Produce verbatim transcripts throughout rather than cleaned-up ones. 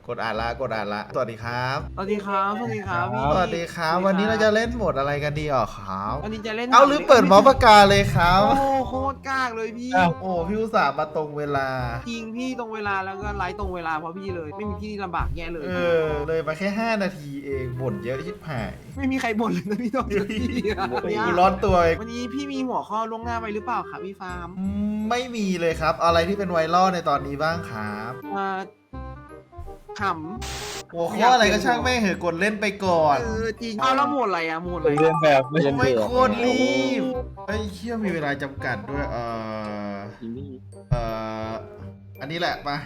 กดอ่านละกดอ่านละสวัสดีครับสวัสดีครับสวัสดีครับพี่สวัสดีครับวันนี้เราจะเล่นโหมดอะไรกันดีอ่ะครับวันนี้จะเล่นเอาหรือเปิดเมาส์ปากกาเลยครับโอ้โคตรกากเลยพี่โอ้พี่อุตส่าห์มาตรงเวลาจริงพี่ตรงเวลาแล้วก็ไลฟ์ตรงเวลาเพราะพี่เลย ไม่มีพี่นี่ลำบากแย่เลยเออเลยมาแค่ห้านาทีเองบ่นเยอะชิบหายไม่มีใครบ่นเลยนะพี่ต้องพี่อะกูร้อนตัวเองวันนี้พี่มีหัวข้อล่วงหน้าไปหรือเปล่าครับพี่ฟาร์มอืมไม่มีเลยครับอะไรที่เป็นไวรัลในตอนนี้บ้างครับอ่าขหัวข้ออะไรก็ช่างแม่งเหอะกดเล่นไปก่อำนเออจริงเอาแล้วโหมดอะไรอะโหมดอะไรเรียนแบบไม่ไม่โคตรรีบไอ้ยเชี่ยมีเวลาจำกัดด้วยเออเอออันนี้แหละปะ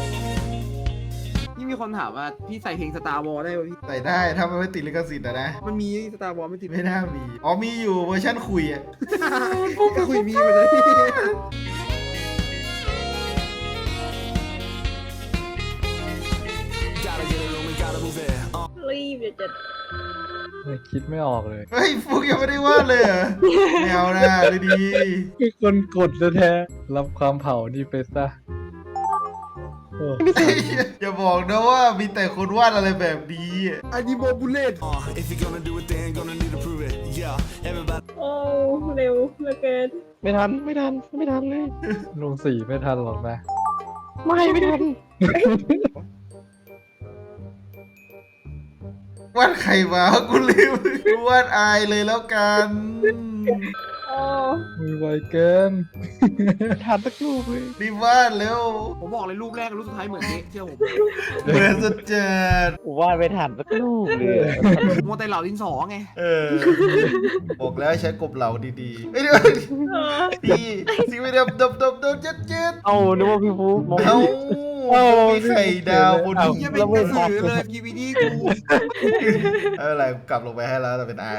นี่มีคนถามว่าพี่ใส่เพลงสตาร์วอลได้ป่ะพี่ใส่ได้ถ้ามันไม่ติดลิขสิทธิ์นะนะมันมีสตาร์วอลไม่ติดไม่น่ามีอ๋อมีอยู่เวอร์ชันคุยอ่ะก็คุยมีมาเลยรีบเดี๋ยวจะคิดไม่ออกเลยเฮ้ยฟุกยังไม่ได้วาดเลยเหรอแนวหน้าเลยดีคือคนกดแท้ๆรับความเผานี่ไปซะโอ้เฮ้ยอย่าบอกนะว่ามีแต่คนวาดอะไรแบบนี้อะอันนี้โบบูเลต If you're gonna do it, then gonna need to prove it. Yeah, everybody. โอ้เร็วเหลือเกินไม่ทันไม่ทันไม่ทันเลยลงสี่ไม่ทันหรอกนะไม่ไม่ทันวาดใครมากูลืมวาดอายเลยแล้วกันโอ้มือไวเกินทันสักลูกเลยรีบวาดเร็วผมบอกเลยรูปแรกกับรูปสุดท้ายเหมือนนี้เชื่อผมเหมือนสุดจัดวาดไม่ทันสักลูกเลยมัวแต่เหล่าดินสอไงเออบอกแล้วให้ใช้กบเหลาดีๆเอ้ยเดี๋ยวเออพี่สิไม่ได้ดบดบดบเจ็ดเจ็ดเอานึกว่าพี่ฟุ๊กมองเอ้ามีไข่ดาวบนเอ้าหิยังนเป็นกระสือเลยพีวีดีกูไม่เป็นไรกลับลงไปให้แล้วแต่เป็นอาย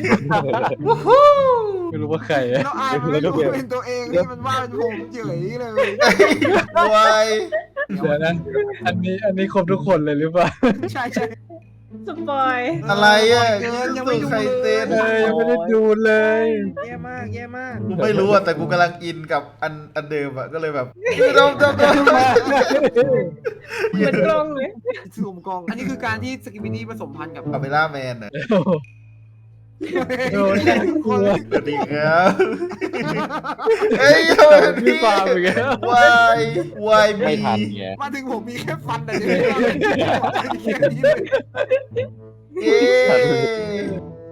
ไม่รู้ว่าใครอะแล้วอายมันไม่รู้เป็นตัวเองนี่มันว่าเป็นผมเฉยเลยวายเดี๋ยวนะอันนี้อันนี้ครบทุกคนเลยหรือเปล่าใช่ใช่สปอยอะไรอ่ะเกินยังไม่ดูไข่เลเต้ยนเอ้ยยังไม่ได้ดูเลยแย่มากแย่มากกูไม่รู้อ่ะแต่กูกำลังอินกับอันอันเดิมอ่ะก็เลยแบบดมดมดมเหมือนกล้องเลยซูมกล้องอันนี้คือการที่สกิมินี่ผสมพันธุ์กับคาเมล่าแมนอ่ะโดนน่ากลัวสวัสดีครับเฮ้ยทำไมเป็นพี่พี่ฟาร์มอีกแล้ววายวายไม่มีทันไงมาถึงผมมีแค่ฟันแต่ยังไม่แค่นี้เลยเอ๊ะ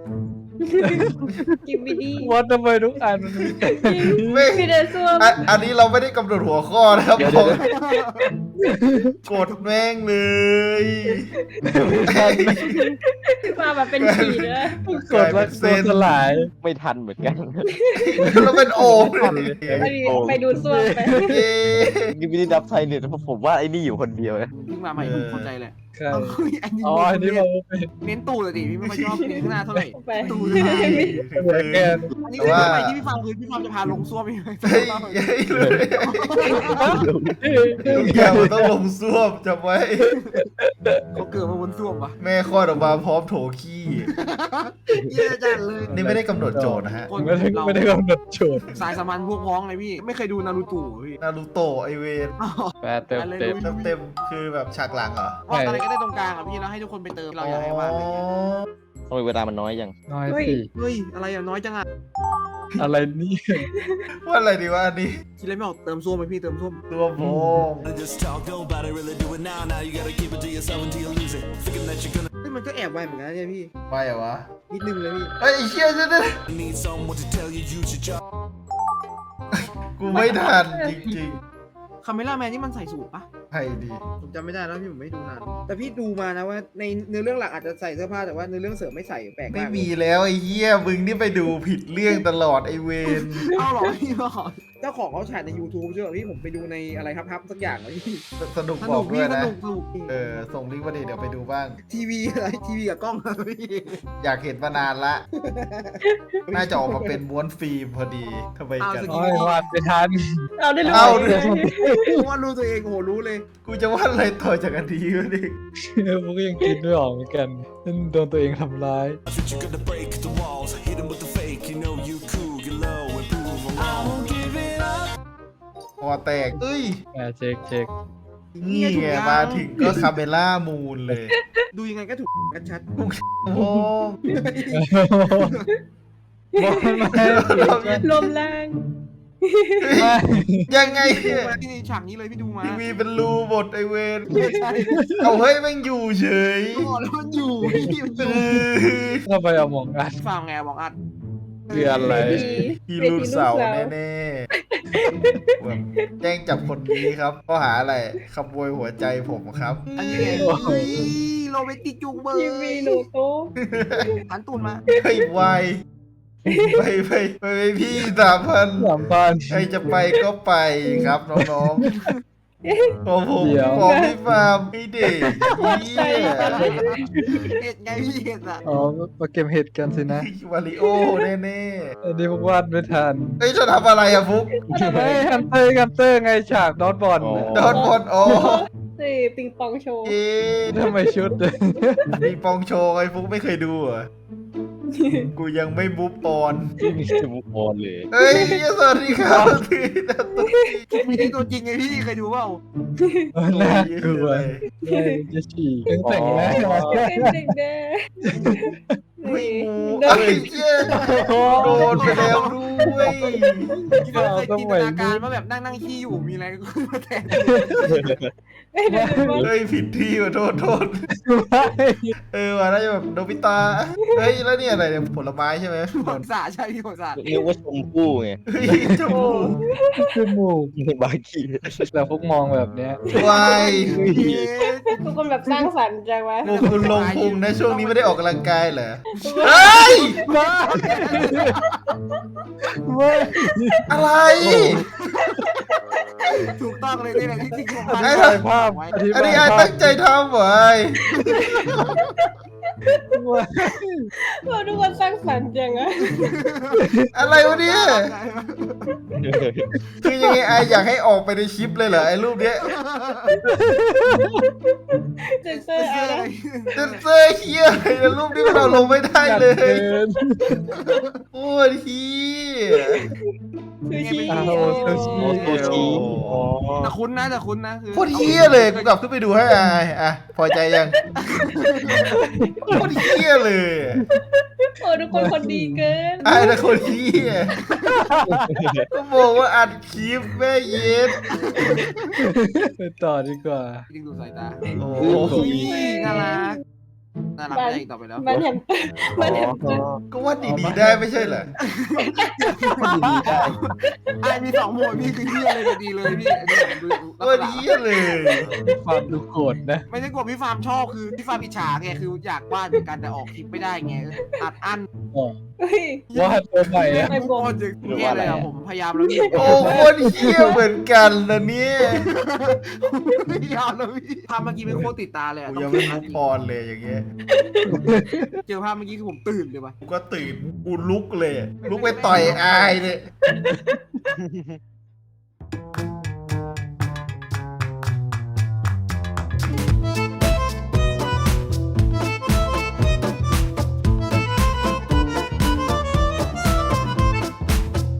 กิมบิดี้ว่าทำไมทุกอันมันมีแต่ไม่พี่เดซ่วมอันอันนี้เราไม่ได้กำหนดหัวข้อนะครับผมกดแม่งเลยมาแบบเป็นผีเลยกดแล้วโดนสลายไม่ทันเหมือนกันเราเป็นโอมเลยไปดิไปดูซ่วมไปเอ๊ะนี่ไม่ได้ดับไทยเนี่ยผมว่าไอ้นี่อยู่คนเดียวนะเพิ่งมาใหม่ผมเข้าใจเลยใช่อันนี้อ๋ออันนี้เราเป็นเน้นตูดเลยดิพี่ไม่ค่อยชอบเน้นข้างหน้าเท่าไหร่ไปตูดเหมือนกันอันนี้คือทำไมที่พี่ฟังคือพี่ฟังจะพาลงซ่วมพี่เฮ้ยเฮ้ยเลยทุกอย่างมันต้องลงซ่วมจำไว้เขาเกิดมาบนซ่วมปะแม่คลอดออกมาพร้อมโถขี้เย่จัดเลยนี่ไม่ได้กำหนดโจทย์นะฮะคนไม่ได้เราไม่ได้กำหนดโจทย์สายสัมพันธ์พวกพ้องเลยพี่ไม่เคยดูนารูโตะพี่นารูโตะไอเวนแปดเต็มเต็มเต็มเต็มๆคือแบบฉากหลังเหรอวาดอะไรก็ได้ตรงกลางอ่ะพี่แล้วให้ทุกคนไปเติมเราอยากให้วาดอะไรเงี้ยทำไมเวลามันน้อยจังน้อยสิเฮ้ยอะไรอ่ะน้อยจังอ่ะอะไรนี่ว่าอะไรดีวะอันนี้คิดอะไรไม่ออกเติมซ่วมไหมพี่เติมซ่วมรวมวง Just talk nobody really do it now. Now you gotta keep it to yourself until you lose it. Thinking that you're gonna เฮ้ยมันก็แอบไวเหมือนกันนะเนี่ยพี่ไปเหรอวะนิดนึงเลยพี่เฮ้ยไอ้เชี่ยจะได้ need someone to tell you you should jump. กูไม่ทันจริงคาเมล่าแมนนี่มันใส่สูทปะๆใครดีผมจำไม่ได้แล้วพี่ผมไม่ดูนานแต่พี่ดูมานะว่าในเนื้อเรื่องหลักอาจจะใส่เสื้อผ้าแต่ว่าเนื้อเรื่องเสริมไม่ใส่แปลกไม่มากมีแล้วไอ้เหี้ยมึงนี่ไปดูผิดเรื่องตลอดไอ้เวนเอาหรอพี่หรอเจ้าของเขาฉายใน YouTube ใช่ไหมพี่ผมไปดูในอะไรครับครับสักอย่างเลยพี่สนุกสบนุอกกด้พี่วยสนะนุกสนุกเออส่งลิงก์มาดิเดี๋ยวไปดูบ้างทีวีอะไรทีวีกับกล้องอะไรพี่อยากเห็นมานานละ น่าจะออกมาเป็นม้วนฟิล์มพอดีทำไมกันโอ้ยวาดไม่ทันเอาได้รู้เอาเลเลย ยว่ารู้ตัวเองโหรู้เลยกูจะวาดอะไรต่อจากอันนี้วะนี่พวกก็ยังคิดไม่ออกเหมือนกันนั่นโดนตัวเองทำร้าย That's what you're gonna break the walls. Hit 'em with the fake. You know you cool. Get low and prove 'em wrong. I won't give it up. คอแตกเอ้ยอ่าเช็คเช็คนี่ไงมาถึงก็คาเมล่ามูนเลยดูยังไงก็ถูกกันชัดโอ้โหลมแรงยังไงดูเนี่ยมาที่ฉากนี้เลยพี่ดูมาทีวีเป็นรูหมดไอเวนไม่ใช่เอาเฮ้ยแม่งอยู่เฉยอ๋อแล้วมันอยู่พี่มันอเอยู่ อทำไมเอามองอัดฟังไงบอกอัดคืออะไรฮีรูนเสาร์แน่ๆแบบแจ้งจับคนนี้ครับข้อหาอะไรขโมยหัวใจผมครับอันนี้ไงเฮ้ยโรแมนติกจุงเบอร์ทีวีหนูโต๊ะหันตูนมาเฮ้ยไวไปไปไปไปพี่สามพันสามพันใครจะไปก็ไปครับน้องๆของผมเดี๋ยวของพี่ฟาร์มให้เด็กเหี้ยเห็ดไงพี่เห็ดอ่ะอ๋อมาเก็บเห็ดกันสินะวาริโอแน่อันนี้พวกวาดไม่ทันๆเฮ้ยจะทำอะไรอะฟุกเฮ้ยฮันเตอร์ฮันเตอร์ไงฉากดอทบอลน่ะโดนบอลอ๋อนี่ปิงปองโชว์เอ๊ะทำไมชุดเลยมีปองโชว์ไอ้ฟุกไม่เคยดูเหรอกูยังไม่มูฟออนที่มีสมุกบอลเลยเฮ้ยสวัสดีครับพี่นัตตุ้ยมีตัวจริงไงพี่เคยดูเปล่าน่ากลัวแม่งจะฉี่ยังแต่งหน้ามาเป็นเด็กแน่ไม่นี่มูโดเอ้นยเหี้ยโดนไปแล้วด้วยที่เราเคยจินตนาการว่าแบบนั่งนั่งขี้อยู่มีอะไรขึ้นมาแทนไม่ได้ดูว่าเฮ้ยผิดที่ว่ะโทษโทษไม่เออว่าน่าจะแบบโนบิตะเฮ้ยแล้วเนี่ยอะไรเนี่ยผลไม้ใช่ไหมผลสาใช่พี่ผลสาเรียกว่าชมพู่ไงเฮ้ยจมูกจมูกในบาร์กี้แต่พวกมองแบบเนี้ยวายทุกคนแบบสร้างสรรค์จังวะโอ้คุณลงพุงนะช่วงนี้ไม่ได้ออกกำลังกายเหรอเฮ้ยว้าเว้ยอะไรถูกต้องเลยนี่แหละที่จริงผมอธิบายภาพอธิอันบายนี้ไอ้ภาพตั้งใจทำเหรอไอ้เว้ยเราทุกคนสร้างสรรค์จังอะอะไรวะเนี่ยคือยังไงไออยากให้ออกไปในคลิปเลยเหรอไอ้รูปเนี้ยเซนเซอร์อะไรเซนเซอร์เฮียอะไรนะรูปนี้เราลงไม่ได้เลยเกินโอ้ยเฮียซูชิอ้าวซูชิโมโตชิอ๋อแต่คุ้นนะแต่คุ้นนะคือโคตรเฮียเลยกูกลับขึ้นไปดูให้ไอ้อ่ะพอใจยังโคตรเฮียเลยโอ้ทุกคนคนดีเกินไอ้นะคนเฮียก็บอกว่าอัดคลิปแม่เย็ดไปต่อดีกว่าจริงดูสายตาโอ้อุ้ยยน่ารักน่ารักได้อีกต่อไปแล้วมันแฮมมันแฮมเตอร์ก็ว่าดีๆได้ไม่ใช่เหรอไอ้มีสองหมวดพี่คือเฮียเลยดีเลยพี่อันนี้ผมดูลักว่าษณะเฮียเลยความดูโกรธนะไม่ใช่กลัวพี่ฟาร์มชอบคือพี่ฟาร์มอิจฉาไงคืออยากวาดเหมือนกันแต่ออกคลิปไม่ได้ไงอัดอั้นอ๋อเฮ้ยว่าตัวใหม่อะไม่โคตรจะแย่เลยอะผมพยายามแล้วพี่โอ้โคตรเฮียเหมือนกันนะเนี่ยพยายามแล้วพี่ภาพเมื่อกี้เป็นโคตรติดตาเลยอะกูต้ยัอง งไม่เก็บมูภาพฟออนเลยอย่างเงี้ยเจอภาพเมื่อกี้คือผมตื่นเลยว่ะกูก็ตื่นกูลุกเลย ลุกไปต่อยอายเลย